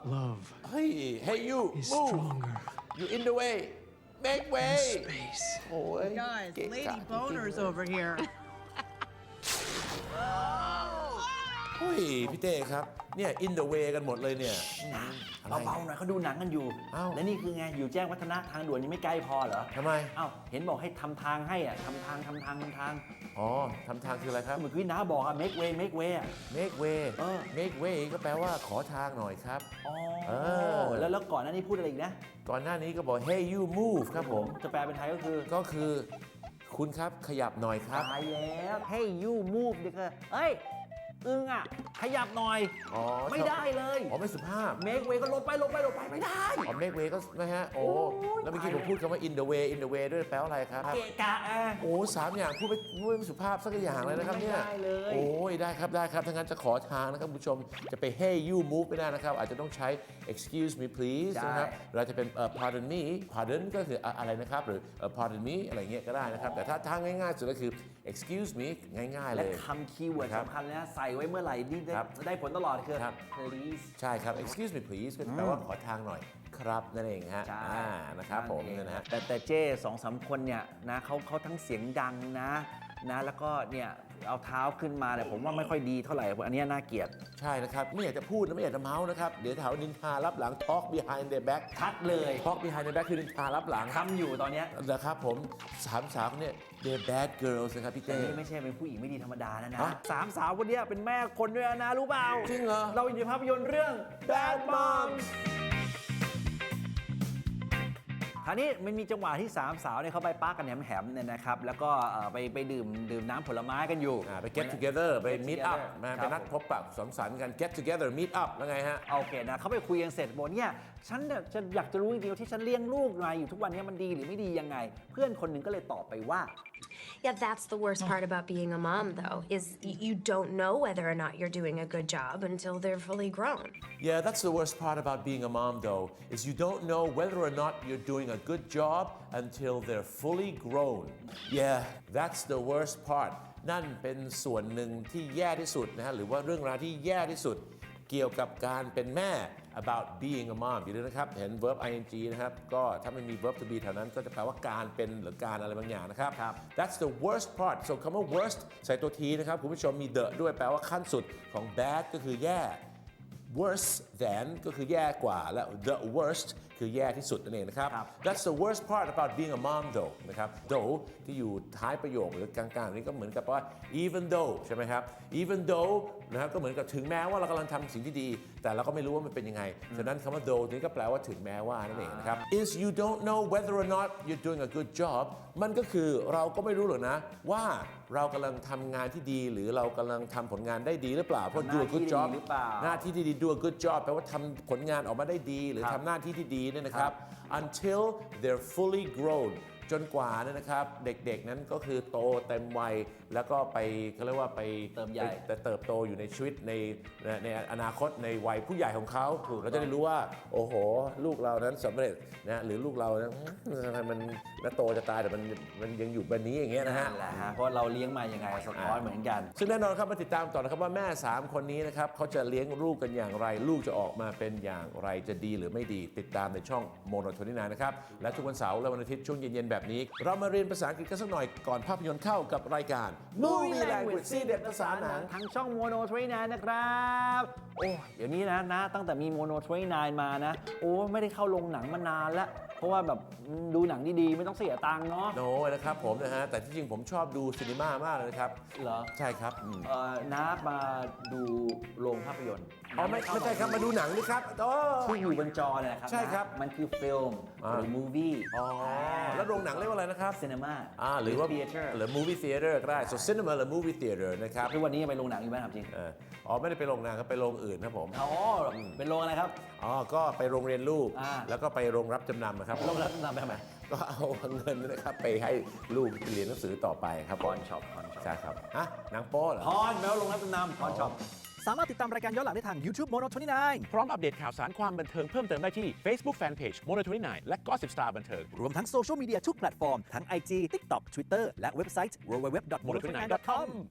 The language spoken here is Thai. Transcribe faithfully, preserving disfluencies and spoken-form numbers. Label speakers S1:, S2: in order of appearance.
S1: Love
S2: เฮ้ย Hey you
S1: is
S2: move
S1: stronger
S2: you in the way make way
S1: than space.
S2: โอ้ย
S3: Guys,
S2: เกะกะ
S3: lady boners over here.
S2: เฮ้ยพี่เต้ครับเนี่ย in the way กันหมดเลยเนี่ยอะไร
S4: เบาๆหน่อยเขาดูหนังกันอยู่
S2: เอ้า
S4: และนี่คือไงอยู่แจ้งวัฒนะทางด่วนยังไม่ใกล้พอเหรอ
S2: ทำไม
S4: เอ้าเห็นบอกให้ทำทางให้อ่ะทำทางทำทางทำทาง
S2: อ๋อทำทางคืออะไรครับ
S4: เหมือนที่น้าบอกอ่ะ make way make way อ่ะ
S2: make way
S4: เออ
S2: make way ก็แปลว่าขอทางหน่อยครับ
S4: อ๋อ
S2: เออ
S4: แล้วแล้วก่อนหน้านี้พูดอะไรอีกนะ
S2: ก่อนหน้านี้ก็บอก Hey you move ครับผม
S4: จะแปลเป็นไทยก็คือ
S2: ก็คือคุณครับขยับหน่อยครับ
S4: ตายแล้ว hey you move เด็กเอ้ยอึ้งอ่ะขยับหน่อย
S2: อ๋อ
S4: ไม่ได้เลย
S2: อ๋อไม่สุภาพ
S4: make way ก็ลบไปลบไปลบไปไม่ได้
S2: อ๋อ make way ก็นะฮะโอ้
S4: โอ้ย
S2: แล้วเมื่อกี้
S4: ตาย
S2: ผมพูดคำว่า in the way in the way ด้วยแปลว่าอะไรครับ
S4: เกะกะอ่ะ
S2: โอ้สามอย่างพูดไม่พูดไม่สุภาพสักอย่างเลยนะครับเนี่ย
S4: ไม่ได้เลย
S2: โอ้ยได้ครับได้ครับถ้างั้นจะขอทางนะครับคุณผู้ชมจะไป hey you move ไม่ได้นะครับอาจจะต้องใช้ excuse me please นะครับเราจะเป็นเอ่อ pardon me pardon ก็คืออะอะไรนะครับหรือเอ่อ pardon me อะไรเงี้ยก็ได้นะครับแต่ถ้าทางง่ายๆสุดก็คือ excuse me ง่ายๆเล
S4: และ
S2: ย
S4: คำคีย์เวิร์ด
S2: ครับ
S4: สำคัญเลยนะใส่ไว้เมื่อไหร่นี่ได้
S2: ครับ
S4: ได้ผลตลอดคือ
S2: ครับ
S4: please
S2: ใช่ครับ excuse me please ก็แปลว่าขอทางหน่อยครับนั่นเองฮะ
S4: ใช่
S2: อ่านะครับผมเนี่ยนะฮะ
S4: แต่แต่เจ้สองสามคนเนี่ยนะเขาเขาทั้งเสียงดังนะนะแล้วก็เนี่ยเอาเท้าขึ้นมาเนี่ยผมว่าไม่ค่อยดีเท่าไหร่อันเนี้ยน่าเกลียด
S2: ใช่นะครับไม่อยากจะพูดนะไม่อยากจะเมาส์นะครับเดี๋ยวแถวนินทารับหลัง talk behind their back
S4: ชัดเลย
S2: talk behind their back คือนินทารับหลัง
S4: ทำอยู่ตอนเนี้ย
S2: นะครับผมสามสาวคนเนี่ย they're bad girls นะครับพี่
S4: แต่
S2: เต้
S4: นี่ไม่ใช่เป็นผู้หญิงไม่ดีธรรมดานะนะ
S2: ฮะ
S4: สามสาวคนเนี้ยเป็นแม่คนด้วยนะรู้เปล่า
S2: จริงเหรอ
S4: เราอยู่ในภาพยนตร์เรื่อง Bad Moms คราวนี้มันมีจังหวะที่สามสาวเนี่ยเขาไปปาร์กกันแหมๆเนี่ยนะครับแล้วก็เอ่อไปไปดื่มดื่มน้ำผลไม้กันอยู่
S2: อ่าไป get together ไป
S4: Get
S2: meet up
S4: together
S2: มา
S4: ค
S2: ไป
S4: รับ
S2: นัดพบปะสังสรรค์กัน get together meet up แล้วไงฮะ
S4: โอเคนะเขาไปคุยกันเสร็จบอกเนี่ยฉันเนี่ยจะอยากจะรู้จริงๆว่าที่ฉันเลี้ยงลูกมาอยู่ทุกวันนี้มันดีหรือไม่ดียังไง เพื่อนคนหนึ่งก็เลยตอบไปว่า
S5: Yeah, that's the worst part about being a mom, though, is y- you don't know whether or not you're doing a good job until they're fully grown.
S2: Yeah that's the worst part about being a mom though is you don't know whether or not you're doing a good job until they're fully grown yeah that's the worst part นั่นเป็นส่วนหนึ่งที่แย่ที่สุดนะฮะหรือว่าเรื่องราวที่แย่ที่สุดเกี่ยวกับการเป็นแม่ about being a mom อยู่ด้วยนะครับเห็น verb ing นะครับก็ถ้าไม่มี verb to be แถวนั้นก็จะแปลว่าการเป็นหรือการอะไรบางอย่างนะครับ
S4: ครับ
S2: that's the worst part so คำว่า worst ใส่ตัวทีนะครับคุณผู้ชมมี the ด้วยแปลว่าขั้นสุดของ bad ก็คือแย่ worse than ก็คือแย่กว่าและ the worst คือแย่ที่สุดนั่นเองนะครับ
S4: ครับ
S2: that's the worst part about being a mom though นะครับ though ที่อยู่ท้ายประโยคหรือกลางๆนี้ก็เหมือนกับว่า even though ใช่ไหมครับ even though นะครับก็เหมือนกับถึงแม้ว่าเรากำลังทำสิ่งที่ดี แต่เราก็ไม่รู้ว่ามันเป็นยังไงฉะนั้นคำว่า though นี้ก็แปลว่าถึงแม้ว่านั่นเองนะครับ is you don't know whether or not you're doing a good job มันก็คือเราก็ไม่รู้หรอกนะว่าเรากำลังทำงานที่ดีหรือเรากำลังทำผลงานได้ดีหรือเปล่าเพราะ do a good job
S4: หรือเปล่า
S2: หน้าที่ที่ดี do a good job แปลว่าทำผลงานออกมาได้ดี หรือทำหน้าที่ที่ดีเนี่ยนะครับ until they're fully grown จนกว่าเนี่ยนะครับเด็กๆนั้นก็คือโตเต็มวัยแล้วก็ไปเขาเรียกว่าไป
S4: เติบใหญ่
S2: ไปเติบโตอยู่ในชีวิตในในในอนาคตในวัยผู้ใหญ่ของเขาเราจะได้รู้ว่าโอ้โห ลูกเรานั้นสำเร็จนะหรือลูกเรานั้นทำไมมันน่าโตจะตายแต่มันมันยังอยู่แบบนี้อย่างเงี้ยนะฮะ
S4: นั่นแหละฮะเพราะเราเลี้ยงมายังไงสะท้อนเหมือนกัน
S2: ซึ่งแน่นอนครับมาติดตามต่อนะครับว่าแม่ สาม คนนี้นะครับเขาจะเลี้ยงลูกกันอย่างไร ลูกจะออกมาเป็นอย่างไรจะดีหรือไม่ดีติดตามในช่องโมโนโทนินานะครับและทุกวันเสาร์และวันอาทิตย์ช่วงเย็นๆแบบนี้ เรามาเรียนภาษาอังกฤษกันสักหน่อยก่อนภาพยนตร์เข้ากับรายการ Movie Language ซีเด็ดภาษาหนัง
S4: ทางช่องโมโนทรีนนะครับ โอ้เดี๋ยวนี้นะนะตั้งแต่มีโมโนทรีนมานะ โอ้ไม่ได้เข้าโรงหนังมานานแล้ว เพราะว่าแบบดูหนังดีๆ ไม่ต้องเสียตังค์เนาะ
S2: โน้นะครับผมนะฮะแต่ที่จริงผมชอบดูซีนีมามากเลยนะครับ
S4: เหรอ
S2: ใช่ครับอืม
S4: เอ่อน้ามาดูโรงภาพยนตร์
S2: อ๋อไม่ไม่ใช่ครับมาดูหนังนี่ครับโอ้
S4: ที่อยู่บนจอเนี่ยครับ
S2: ใช่ครับ
S4: นะมันคือฟิล์ม
S2: อ่า
S4: หรือมูวี่
S2: อ๋อแล้วโรงหนังเรียกว่าอะไรนะครับ
S4: ซีนีมา
S2: อ่าหรือว่า
S4: เทเตอร์
S2: หรือ movie theater ก็ได้ so cinema หรือ movie theater นะครับ
S4: ทุกวันนี้ยังไปโรงหนังอยู่ไหมครับจริง
S2: เอออ๋อไม่ได้ไปโรงหนังครับไปโรงอื่นครับผม
S4: อ๋อเป็นโรงอะไรครับ
S2: อ๋อก็ไปโรงเรียนลูก
S4: อ่า
S2: แล้วก็ไปโรงรับจำนำนะครับ
S4: โรงรับจำนำไปทำไม
S2: ก็เอาเงินนะครับไปให้ลูกเรียนหนังสือต่อไปครับ
S4: พรช็อปพรช็อป
S2: ใช่ครับฮะหนังโป๊เหรอ
S4: พรแมวโรงรับจำนำพรช็อป
S6: สามารถติดตามรายการย้อนหลังได้ทาง YouTube Mono ยี่สิบเก้า
S7: พร้อมอัปเดตข่าวสารความบันเทิงเพิ่มเติมได้ที่ Facebook Fanpage Mono ยี่สิบเก้า และ Gossip Star บันเทิง
S6: รวมทั้งโซเชียลมีเดียทุกแพลตฟอร์ม ทั้ง ไอ จี TikTok Twitter และเว็บไซต์ ดับเบิลยู ดับเบิลยู ดับเบิลยู ดอท โมโน ยี่สิบเก้า ดอท คอม